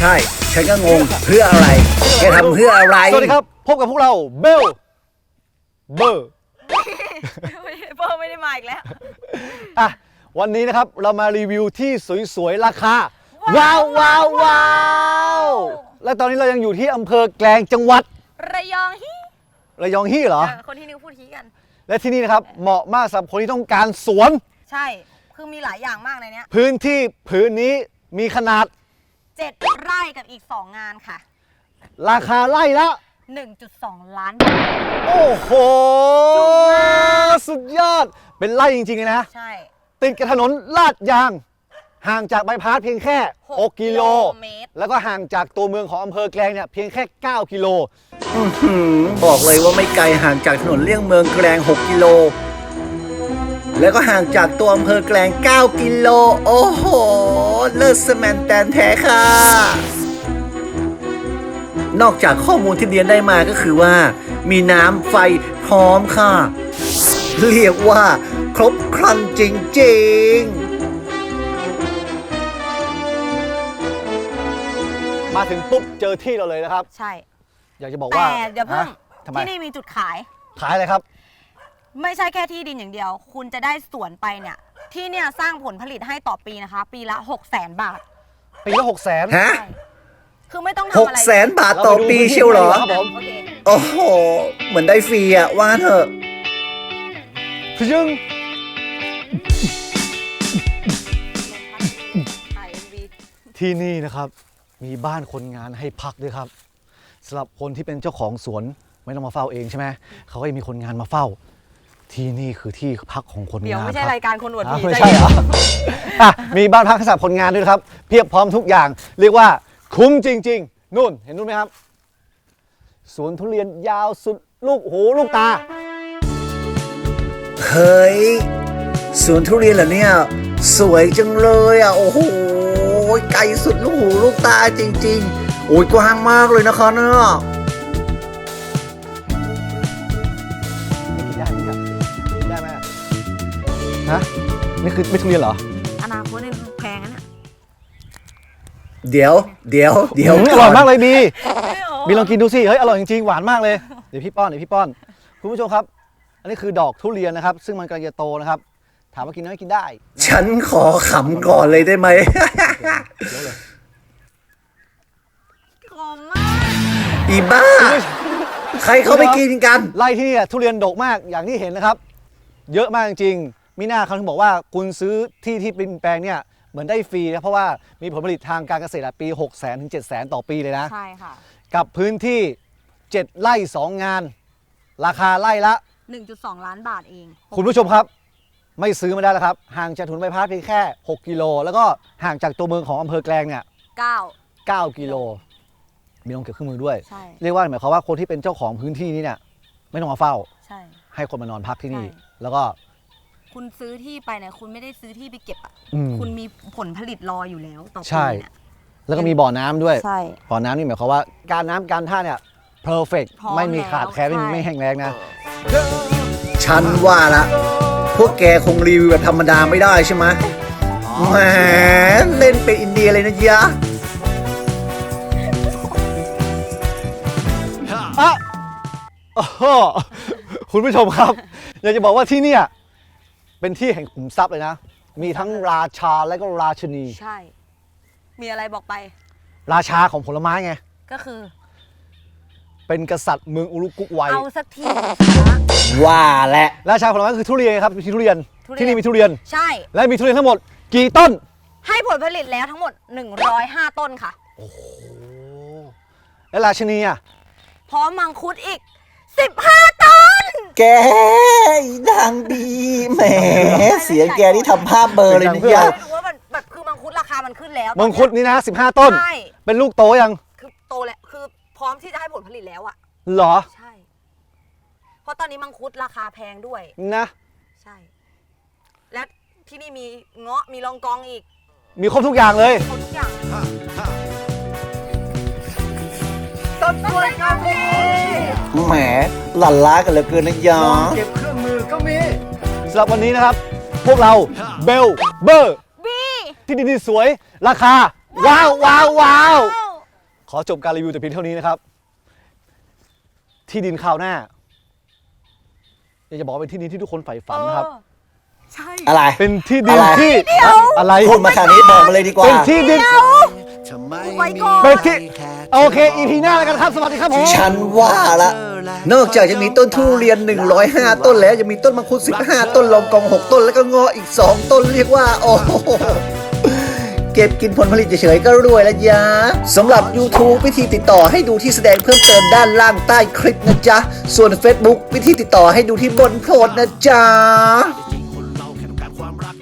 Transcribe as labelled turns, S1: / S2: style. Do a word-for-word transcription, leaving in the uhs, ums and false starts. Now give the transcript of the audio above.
S1: ช่ฉันก็งงเพื่ออะไรแกทำเพื่ออะไร
S2: สวัสดีครับพบกับพวกเราเบลเบอร์
S3: เบอร์ไม่ได้มาอีกแล้ว
S2: อ่ะวันนี้นะครับเรามารีวิวที่สวยๆราคาว้าวว้าวว้าวและตอนนี้เรายังอยู่ที่อำเภอแกลงจังหวัด
S3: ระยองฮี
S2: ระยองฮี่เหรอ
S3: คนที่นิ้วพูดฮีกัน
S2: และที่นี่นะครับเหมาะมากสำหรับคนที่ต้องการสวน
S3: ใช่คือมีหลายอย่างมากในนี้
S2: พื้นที่พื้นนี้มีขนาด
S3: เจ็ดไร่กับอีกสองงานค่ะ
S2: ราคาไร่ละ
S3: หนึ่งจุดสอง ล้านบาท
S2: โอ้โหสุดยอดเป็นไร่จริงๆเลยนะ
S3: ใช่
S2: ติดกับถนนลาดยางห่างจากบายพาสเพียงแค่หกกิโลแล้วก็ห่างจากตัวเมืองของอำเภอแกลงเนี่ยเพียงแค่เก้ากิโล
S1: บอกเลยว่าไม่ไกลห่างจากถนนเลี่ยงเมืองแกลงหกกิโลแล้วก็ห่างจากตัวอำเภอแกลงเก้ากิโลโอ้โหเลิศสแมนแตนแท้ค่ะนอกจากข้อมูลที่เรียนได้มาก็คือว่ามีน้ำไฟพร้อมค่ะเรียกว่าครบครันจริง
S2: ๆมาถึงปุ๊บเจอที่เราเลยนะครับ
S3: ใช่
S2: อยากจะบอกว่า
S3: แต่เดี๋ยวเพิ่งที่นี่มีจุดขาย
S2: ขายอะไรครับ
S3: ไม่ใช่แค่ที่ดินอย่างเดียวคุณจะได้สวนไปเนี่ยที่เนี่ยสร้างผลผลิตให้ต่อปีนะคะปีละหกแสนบาท
S2: ปีละหกแสน
S1: ฮะ
S3: คือไม่ต้องทำ
S1: อะไรหกแสนบาทต่อปีเชียวเหรอโอ้โหเหมือนได้ฟรีอะว่าเถอะ
S2: พยึงที่นี่นะครับมีบ้านคนงานให้พักด้วยครับสำหรับคนที่เป็นเจ้าของสวนไม่ต้องมาเฝ้าเองใช่ไหมเขาก็มีคนงานมาเฝ้าที่นี่คือที่พักของคนงาน
S3: เดี๋ยวไม่ใช่รายการคนอวดผี
S2: ไม่ใช่เหรออ่ะมีบ้านพักสำหรับคนงานด้วยครับเพียบพร้อมทุกอย่างเรียกว่าคุ้มจริงๆนู่นเห็นนู่นไหมครับสวนทุเรียนยาวสุดลูกหูลูกตา
S1: เฮ้ยสวนทุเรียนเหรอเนี่ยสวยจังเลยอ่ะโอ้โหไกลสุดลูกหูลูกตาจริงๆโอ้ยกว้างมากเลยนะคะเนี่ย
S2: ได้ไหมได้ไหมฮะนี่คือไม่ทุเรียนเหรอ
S3: อนาคตนี่แพงนะ
S1: เดี๋ยวเดี๋ยวเดี๋ยว
S2: อร่อยมากเลยบีบีลองกินดูสิเฮ้ยอร่อยจริงๆหวานมากเลยเดี๋ยวพี่ป้อนเดี๋ยวพี่ป้อนคุณผู้ชมครับอันนี้คือดอกทุเรียนนะครับซึ่งมันกำลังจะโตนะครับถามว่ากินได้ไหมกินได้
S1: ฉันขอขำก่อนเลยได้ไหม
S3: ขมมาก
S1: อีบ้าใครเขาไปกินกัน
S2: ไร่ที่นี่ทุเรียนดกมากอย่างที่เห็นนะครับเยอะมากจริงๆมีหน้าเขาถึงบอกว่าคุณซื้อที่ที่เป็นแปลงเนี่ยเหมือนได้ฟรีนะเพราะว่ามีผลผลิตทางการเกษตรปีหกแสนถึงเจ็ดแสนต่อปีเลยนะ
S3: ใช่ค่ะ
S2: กับพื้นที่เจ็ดไร่สองงานราคาไร่ละ
S3: หนึ่งจุดสอง ล้านบาทเอง
S2: คุณผู้ชมครับไม่ซื้อไม่ได้แล้วครับห่างจากถนนใบพัดเพียงแค่หกกิโลแล้วก็ห่างจากตัวเมืองของอำเภอแกลงเนี่ย
S3: เก้า
S2: เก้ากิโลมีลงเก็บเครื่องมือด้วยเรียกว่าหมายความว่าคนที่เป็นเจ้าของพื้นที่นี้เนี่ยไม่ต้องมาเฝ้าใช่ให้คนมานอนพักที่นี่แล้วก็
S3: คุณซื้อที่ไปเนี่ยคุณไม่ได้ซื้อที่ไปเก็บอ่ะคุณมีผลผลิตรออยู่แล้วต่อปีเนี่ย
S2: แล้วก็มีบ่อน้ำด้วย
S3: ใช่
S2: บ่อน้ำนี่หมายความว่าการน้ำการท่าเนี่ยเพอร์เฟกต์ไม่มีขาดแคลนไม่มีไม่แห้งแล้งนะ
S1: ฉันว่าละพวกแกคงรีวิวแบบธรรมดาไม่ได้ใช่ไหมแหมเล่นเป็นอินเดียเลยนะยะ
S2: อ่ะคุณผู้ชมครับอยากจะบอกว่าที่นี่เป็นที่แห่งขุมทรัพย์เลยนะมีทั้งราชาและก็ราชินี
S3: ใช่มีอะไรบอกไป
S2: ราชาของผลไม้ไง
S3: ก็คือ
S2: เป็นกษัตริย์เมืองอุรุกุกวัย
S3: เอาสักที
S1: ว่าแหละ
S2: ราชาผลไม้คือทุเรียนครับมีทุเรียนที่นี่มีทุเรียน
S3: ใช่
S2: และมีทุเรียนทั้งหมดกี่ต้น
S3: ให้ผลผลิตแล้วทั้งหมดหนึ่งร้อยห้าต้นค่ะ
S2: โอ้โหและราชินีอ่ะ
S3: พร้อมมังคุดอีกสิบห้าต้น
S1: แกดังดีแหมเสียงแกที่ทำภาพเบอร์เลยนี่ย
S3: รู้ว่ามันแบบคือมังคุดราคามันขึ้นแล้ว
S2: มังคุดนี่นะสิบห้าต้นใช่เป็นลูกโตยัง
S3: คือโตแล้วคือพร้อมที่จะให้ผลผลิตแล้วอะ
S2: หรอ
S3: ใช่เพราะตอนนี้มังคุดราคาแพงด้วย
S2: นะ
S3: ใช่และที่นี่มีเงาะมีลองกองอีก
S2: มีครบทุกอย่างเลย
S3: ครบทุกอย่างต้นกล้วยก็มี
S1: แหมหลั่นล้ากันเหลือเกินนะยะ
S2: เก็บเครื่องมือก็มีสำหรับวันนี้นะครับพวกเราเบลเบอร์
S3: บี
S2: ที่ดินสวยราคาว้าวว้าวว้าวขอจบการรีวิวแต่เพียงเท่านี้นะครับ ที่ดินคราวหน้าอยากจะบอกว่าเป็นที่ดินที่ทุกคนใฝ่ฝันนะครับ
S3: เออใช่
S1: อะไร
S2: เป็นที่ดิน
S1: อะไร
S2: ที่อะไร
S1: พูดมาขนาดนี้บอกมาเลยดีกว่า
S2: เป็นที่ดิน
S3: ไว้ก่อน
S2: เป็นที่โอเค อี พี หน้าแล้วกันครับ สวัสดีครับผม
S1: ฉันว่าละนอกจากจะมีต้นทุเรียนหนึ่งร้อยห้าต้นแล้วยังมีต้นมังคุดสิบห้าต้นลองกองหกต้นแล้วก็เงาะอีกสองต้นเรียกว่า โอ้โหเก็บกินผลผลิตเฉยๆก็รวยแล้วยะสำหรับ YouTube วิธีติดต่อให้ดูที่แสดงเพิ่มเติมด้านล่างใต้คลิปนะจ๊ะส่วน Facebook วิธีติดต่อให้ดูที่บนโพสต์นะจ๊ะ